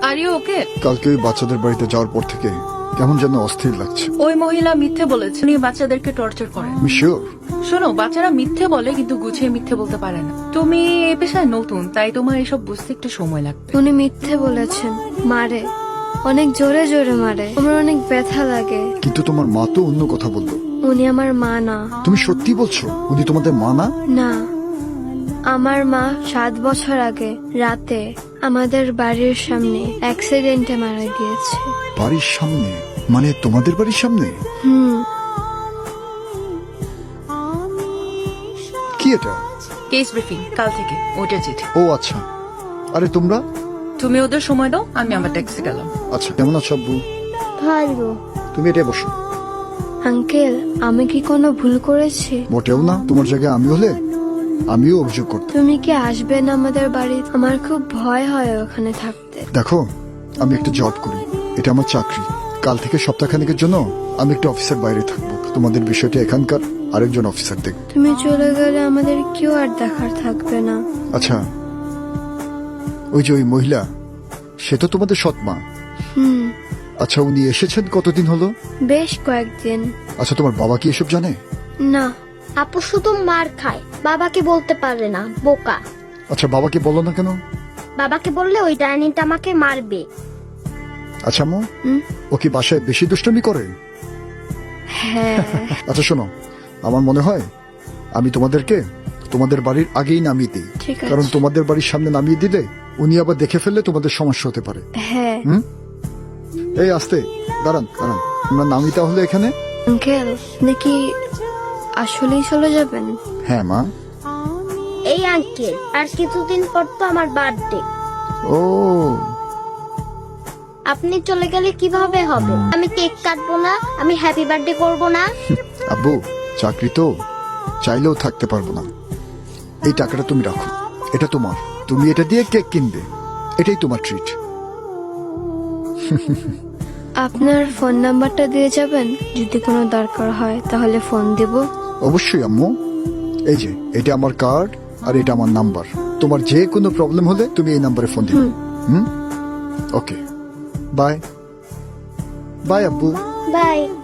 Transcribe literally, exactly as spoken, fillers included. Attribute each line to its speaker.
Speaker 1: Are you okay?
Speaker 2: কালকে ওই বাচ্চাদের বাড়িতে যাওয়ার পর থেকে কেমন যেন অস্থির লাগছে।
Speaker 1: ওই মহিলা মিথ্যে বলেছে, উনি বাচ্চাদেরকে টর্চার করেন।
Speaker 2: আমি শিওর।
Speaker 1: শোনো, বাচ্চারা মিথ্যে বলে কিন্তু গুছিয়ে মিথ্যে বলতে পারে না। তুমি এই পেশায় নতুন, তাই তোমার এসব বুঝতে একটু সময় লাগবে।
Speaker 3: উনি মিথ্যে বলেছেন, মারে, অনেক জোরে জোরে মারে, আমার অনেক ব্যথা লাগে।
Speaker 2: কিন্তু তোমার মা তো অন্য কথা বললো।
Speaker 3: উনি আমার মা না।
Speaker 2: তুমি সত্যি বলছো উনি তোমাদের মা না?
Speaker 3: না, আমার মা সাত বছর আগে রাতে আমাদের বাড়ির সামনে অ্যাক্সিডেন্টে মারা গিয়েছে।
Speaker 2: বাড়ির সামনে? মানে তোমাদের বাড়ির সামনে?
Speaker 3: হুম।
Speaker 2: কি এটা?
Speaker 1: কেস ব্রিফিং কাল থেকে, ওটা চিঠি।
Speaker 2: ও আচ্ছা। আরে তোমরা?
Speaker 1: তুমি ওদের সময় দাও, আমি আমার ট্যাক্সি গেলাম।
Speaker 2: আচ্ছা, কেমন আছো আব্বু?
Speaker 3: ভালো।
Speaker 2: তুমি এটা বসো।
Speaker 3: আঙ্কেল, আমি কি কোনো ভুল করেছি?
Speaker 2: মোটেও না, তোমার জায়গায় আমি হলে আমিও অভিযোগ করতাম।
Speaker 3: তুমি কি আসবেন আমাদের বাড়ি? আমার খুব ভয় হয় ওখানে থাকতে।
Speaker 2: দেখো, আমি একটা জব করি, এটা আমার চাকরি। কাল থেকে সপ্তাহখানেকের জন্য আমি একটু অফিসের বাইরে থাকবো। তোমাদের বিষয়টা এখানকার আরেকজন অফিসার দেখবে।
Speaker 3: তুমি চলে গেলে আমাদের কেউ আর দেখার থাকবে না।
Speaker 2: আচ্ছা, ওই যে ওই মহিলা, সে তো তোমাদের সৎ মা।
Speaker 3: হুম।
Speaker 2: আচ্ছা, উনি এসেছেন কতদিন হলো?
Speaker 3: বেশ কয়েকদিন।
Speaker 2: আচ্ছা, তোমার বাবা কি এসব জানে?
Speaker 3: না।
Speaker 4: আপু শুধু মার খায়, বাবাকে বলতে পারে না, বোকা।
Speaker 2: আচ্ছা, বাবাকে বলো না কেন?
Speaker 4: বাবাকে বললে ওই ডাইনিটা আমাকে মারবে।
Speaker 2: আচ্ছা আম্মু,
Speaker 3: হুম?
Speaker 2: ও কি বাসায় বেশি দুষ্টুমি করে?
Speaker 3: হ্যাঁ।
Speaker 2: আচ্ছা শোনো, আমার মনে হয় আমি তোমাদেরকে তোমাদের বাড়ির আগেই নামিয়ে দিই।
Speaker 3: ঠিক আছে।
Speaker 2: কারণ তোমাদের বাড়ির সামনে নামিয়ে দিলে উনি আবার দেখে ফেললে তোমাদের সমস্যা হতে পারে।
Speaker 3: হ্যাঁ।
Speaker 2: হুম, এই আস্তে দাঁড়ান দাঁড়ান, আমরা নামি তাহলে এখানে।
Speaker 3: আঙ্কেল, নাকি আসলেই চলে যাবেন?
Speaker 2: হ্যাঁ মা।
Speaker 4: এই আঙ্কেল, আর কিছুদিন পর তো আমার বার্থডে।
Speaker 2: ও,
Speaker 4: আপনি চলে গেলে কিভাবে হবে? আমি কেক কাটবো না, আমি হ্যাপি বার্থডে করবো না।
Speaker 2: আব্বু, চাকরি তো চাইলেও থাকতে পারবো না। এই টাকাটা তুমি রাখো, এটা তোমার। তুমি এটা দিয়ে কেক কিনবে, এটাই তোমার ট্রিট।
Speaker 3: আপনার ফোন নাম্বারটা দিয়ে যাবেন, যদি কোনো দরকার হয় তাহলে ফোন দেব।
Speaker 2: অবশ্যই আম্মু, এই যে এটা আমার কার্ড আর এটা আমার নাম্বার। তোমার যে কোনো প্রবলেম হলে তুমি এই নাম্বারে ফোন দিবে। হুম, ওকে, বাই বাই আব্বু।
Speaker 4: বাই।